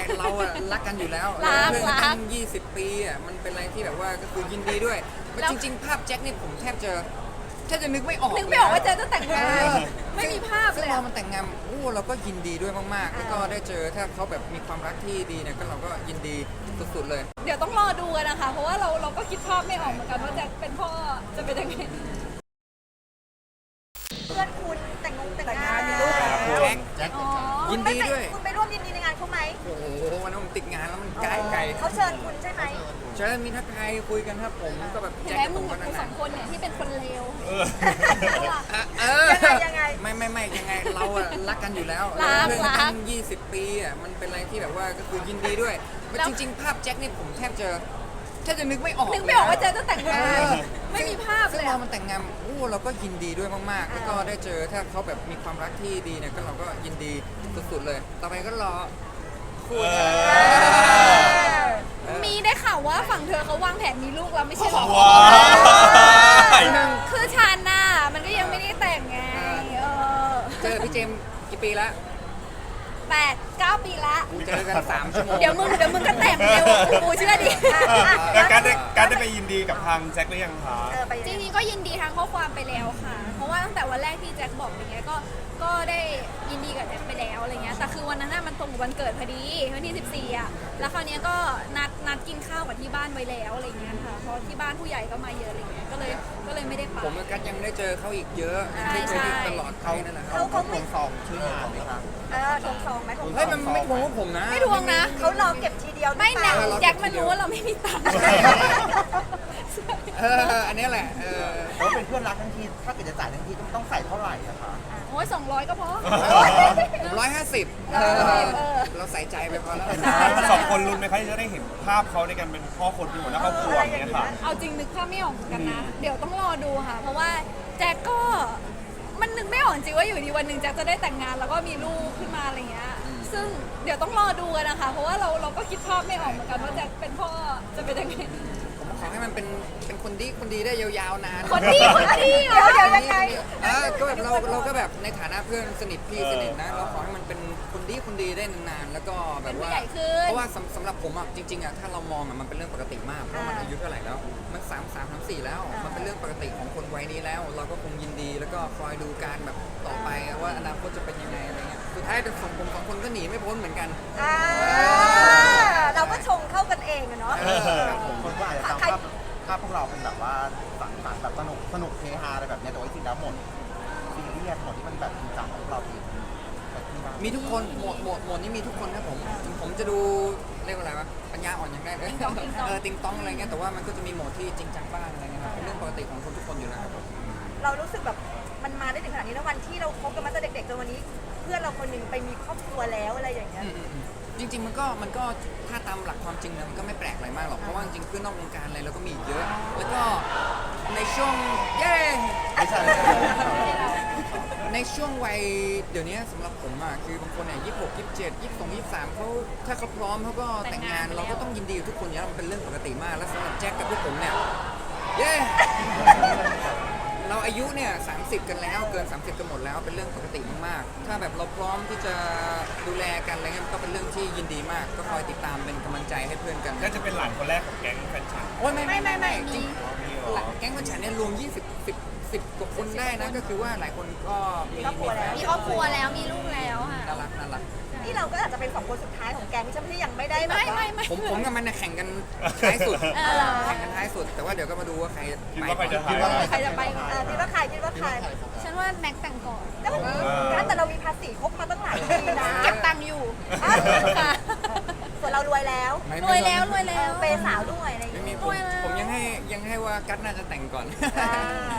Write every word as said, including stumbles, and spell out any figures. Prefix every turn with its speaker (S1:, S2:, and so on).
S1: เราอะรักกันอยู่แล้ว
S2: รัก
S1: เพื่อน
S2: รั
S1: กั
S2: ก
S1: นยี่สิบปีอะมันเป็นอะไรที่แบบว่าก็คือยินดีด้วย
S2: แล้ว
S1: จริงๆ ภาพแจ็คเนี่ยผมแทบจะแทบจะนึกไม่ออก
S2: นึกไม่ออกว่า
S1: ล
S2: เจะ
S1: ยนะ
S2: จะแต่งงาน
S1: เออ
S2: ไม่มีภาพ
S1: ซึ่
S2: เล
S1: ง
S2: ย
S1: เรา
S2: อะ
S1: มันแต่งงานโอ้เราก็ยินดีด้วยมากๆ แล้วก็ได้เจอถ้าเขาแบบมีความรักที่ดีเนี่ยก็เราก็ยินดีสุดๆเลย
S2: เดี๋ยวต้องรอดูกันนะคะ เพราะว่าเราเราก็คิดภาพไม่ออกเหมือนกันว่าแจ็คเป็นพ่อจะเป็นยังไง
S3: เพื่อนคุณแต่งงแต่งงานมีลูกแล้ว
S1: แจ็ค
S4: แจ็ค
S2: อ๋อ
S1: ยินดีด้วย
S3: คุณไปร่วมยินดีในงานเขาไหม
S1: โอ้โหวันนั้นผมติดงานแล้วมันไกลไกล
S3: เขาเชิญคุณใช่ไหม
S1: เชิญมีทักทายคุยกันครับผมก็แบบ
S2: เห็น
S1: แจ็ค
S2: ไหม
S1: กับ
S2: มึ
S1: ผ
S2: ง
S1: ม
S2: กั
S1: ก็
S2: บกู
S1: นา
S2: สอน งคนเนี่ยที่เป็นคนเลว
S1: ๆเออ
S3: ยังไงยังไง
S1: ไม่ไม่ไม่ยังไงเราอะรักกันอยู่แล้ว
S2: รัก
S1: เพื่อน
S2: รั
S1: กั
S2: ก
S1: นยี่สิบปีอะมันเป็นอะไรที่แบบว่าก็คือยินดีด้วย
S2: แล้ว
S1: จริง ๆ ภาพแจ็คเนี่ยผมแทบจะแทบจะนึกไม่ออก
S2: นึกไม่ออกว่าเจะจะแต่งงาน
S1: เออ
S2: ไม่มีภาพ
S1: ซึ่
S2: เล
S1: ง
S2: ย
S1: เรา
S2: อะ
S1: มันแต่งงานโอ้เราก็ยินดีด้วยมากๆ แล้วก็ได้เจอถ้าเขาแบบมีความรักที่ดีเนี่ยก็เราก็ยินดีสุดๆเลย ต่อไปก็รอคู่กัน เออ
S2: มีได้ข่าวว่าฝั่งเธอเขาวางแผนมีลูกแล้วไม่ใช่เหรอ
S4: ว้าย
S2: คือฉันน่ะมันก็ยังไม่ได้แต่งไงเออ
S1: เจอพี่เจมส์กี่ปีละ
S2: แปดเก้าปีละ
S1: เจอกันสามชั่วโมง
S2: เดี๋ยวมึงเดี๋ยวมึงก็แต่งเร็วกูเชื่อดิ
S4: แล้วการได้การได้ไปยินดีกับทางแจ็คหรือยังคะ
S3: เออไป
S2: จริงๆก็ยินดีทางข้อความไปแล้วค่ะ เพราะว่าตั้งแต่วันแรกที่แจ็คบอกอะไรเงี้ยก็ก็ได้ยินดีกับแจ็คไปแล้วอะไรเงี้ยแต่คือวันนั้นน่ะมันตรงกับวันเกิดพอดีวันที่สิบสี่อ่ะแล้วคราวเนี้ยก็นัดนัดกินข้าวกับที่บ้านไว้แล้วอะไรเงี้ยค่ะเพราะที่บ้านผู้ใหญ่ก็มาเยอะอะไรเงี้ยก็เลยก็เลยไม่ได้ไป
S1: ผมกับกัสยังได้เจอเขาอีกเยอะยังได้เจอ
S2: ใช่
S1: อีกตลอดเขานั่นแหละครับ
S3: เขาเขาไม่
S4: ซองชื่องานไหมคะ
S3: เออทงซองไหมทงซ
S1: เฮ้ย
S3: อง
S1: มันไม่ทวงว่าผมนะ
S2: ไม่ทวงนะ
S3: เขารอเก็บทีเดียว
S2: ไม่
S3: หรือ
S2: นะ
S3: เปล่า
S2: แจ็คมันรู้ว่าเราไม่มีตังค์
S1: เอออันนี้แหละเออ
S5: เพราะเป็นเพื่อนรักทั้งที ถ้าเกิดจะจ่ายทั้งทีต้องต้องใส่เท่าไหร่อะคะ
S2: โอ้ยสองร้อยก็พอ
S1: ผมร้อยห้าสิบ
S2: เออเออ
S1: เราใส่ใจไปพอแล้ว
S4: สองคนลุ้นไหมคะที่จะได้เห็นภาพเขาในการเป็นพ่อคนเป็นหัวหน้าครอบครัวอย่างเงี้ยค่ะ
S2: เอาจริงนึกภาพไม่ออกเหมือนกันนะ เดี๋ยวต้องรอดูค่ะ เพราะว่าแจ็คก็มันนึกไม่ออกจริงว่าอยู่ดีวันหนึ่งแจ็คจะได้แต่งงานแล้วก็มีลูกขึ้นมาอะไรเงี้ย ซึ่งเดี๋ยวต้องรอดูกันนะคะ เพราะว่าเราเราก็คิดภาพไม่ออกเหมือนกันว่าแจ็คเป็นพ่อจะเป็นยังไง
S1: ผมขอให้มันเป็นเป็นคนดีคนดีได้ยาวๆนาน
S2: คนดีคนดีเหร
S3: เดี๋ยว
S2: อ
S3: เดี๋ยวยังไง
S1: เออก็แบบเราเราก็แบบในฐานะเพื่อนสนิทพี่สนิทนะ เราขอให้มันเป็นคนดีคนดีได้นานๆ แล้วก็แบบว่า
S2: เป็นผู้ใหญ่ขึ้น
S1: เพราะว่าสำสำหรับผมอ่ะจริงๆอ่ะถ้าเรามองอ่ะมันเป็นเรื่องปกติมาก เพราะมันอายุเท่าไหร่แล้ว มันสามสามสามสี่แล้ว มันเป็นเรื่องปกติของคนวัยนี้แล้ว เราก็คงยินดีแล้วก็คอยดูการแบบต่อไปว่าอนาคตจะเป็นยังไงอะไรเงี้ย สุดท้ายสองผมสองคนก็หนีไม่พ้นเหมือนกัน
S3: อ่าเราก็ชงเข้ากันเองอะเนาะ
S1: เออครับผม
S5: คนก็อาจจะจำภาพภาพพวกเราเป็นแบบว่าสังสรรค์แบบสนุกสนุกเฮฮาอะไรแบบเนี้ยแต่ว่าจริงๆแล้วหมดซีเรียสหมดที่มันแบบจริงจังของพวกเราเองแต่ที่ว่า
S1: มีทุกคนโหมดโหมดโหมดนี้มีทุกคนครับผมถึงผมจะดูเรียกว่าอะไรวะปัญญาอ่อนอย่างแรกเลย
S2: ติ๊งต๊องติ๊งต๊อง
S1: เออติงต้องอะไรเงี้ยแต่ว่ามันก็จะมีโหมดที่จริงจังบ้างอะไรเงี้ยครับเป็นเรื่องปกติของคนทุกคนอยู่แล้วครับผม
S3: เรารู้สึกแบบมันมาได้ถึงขนาดนี้แล้ววันที่เราคบกันมาตั้งแต่เด็กๆจนวันนี้ เพื่อนเราคนหนึ่งไปมีครอบครัวแล้วอะไรอย่างเงี้ย
S1: อืมอืมอืมจริง ๆ มันก็มันก็ถ้าตามหลักความจริงนะมันก็ไม่แปลกอะไรมากหรอกเพราะว่าจริงๆเพื่อนนอกวงการอะไรเราก็มีอีกเยอะ แล้วก็ในช่วงเย้
S5: ไม่ใช่
S1: ในช่วงวัยเดี๋ยวนี้สำหรับผมอ่ะคือบางคนเนี่ยยี่สิบหกยี่สิบเจ็ดยี่สิบสองยี่สิบสามเขาถ้าเขาพร้อมเขาก็แต่งงานเราก็ต้องยินดีกับทุกคนอยู่แล้วมันเป็นเรื่องปกติมากแล้วสำหรับแจ็คกับพวกผมเนี่ยเย้เราอายุเนี่ยสามสิบกันแล้วเกิน สามสิบกันหมดแล้วเป็นเรื่องปกติมากๆถ้าแบบเราพร้อมที่จะดูแลกันอะไรเงี้ยมันก็เป็นเรื่องที่ยินดีมาก ก็คอยติดตามเป็นกำลังใจให้เพื่อนกัน
S4: น่าจะเป็นหลานคนแรกของแก๊งแฟนฉัน
S1: โอ้ยไม่ไม่ไม่ไม่จริง
S4: มีเหรอ
S1: แก๊งคนฉันเนี่ยรวมยี่สิบ สิบ สิบกว่าคนได้นะก็คือว่าหลายคนก็มี
S3: ครอบครัวแล้ว
S2: มีครอบครัวแล้วมีลูกแล้วค่ะ
S1: น่ารักน่ารัก
S3: นี่เราก็อาจจะเป็นสองคนสุดท้ายของแกงที่ฉันที่ยังไม่ได้แบบ
S2: ไม่
S3: ว่า
S2: ไม่ไม่
S1: ผมผมกับมันเนี่ยแข่งกันท้ายสุด
S2: เออ
S1: แข่งกันท้ายสุด แต่ว่าเดี๋ยวก็มาดูว่าใคร
S4: คิด
S1: ไป
S4: ว่าใครจะ
S1: ก่อน
S4: หาย
S2: ใครจะไปก่อน
S3: เออคิดว่าใครคิดว่าใคร
S2: ฉันว่าแม็กแต่งก่อน
S3: แล้วมันแต่เรามีภาษีครบมาตั้งหลายปีนะ
S2: เก็บตังค์อยู่
S3: อ้าว
S2: ค่ะ
S3: ส่วนเรารวยแล้ว
S1: ไม่
S2: รวยแล้วรวย
S3: เอ
S2: แล้ว
S3: อเปย์สาวด้วยอะไรอย่าง
S1: ไม่
S3: เงี้ย
S1: มีผมผมยังให้ยังให้ว่ากัตน่าจะแต่งก่อน
S3: อ่า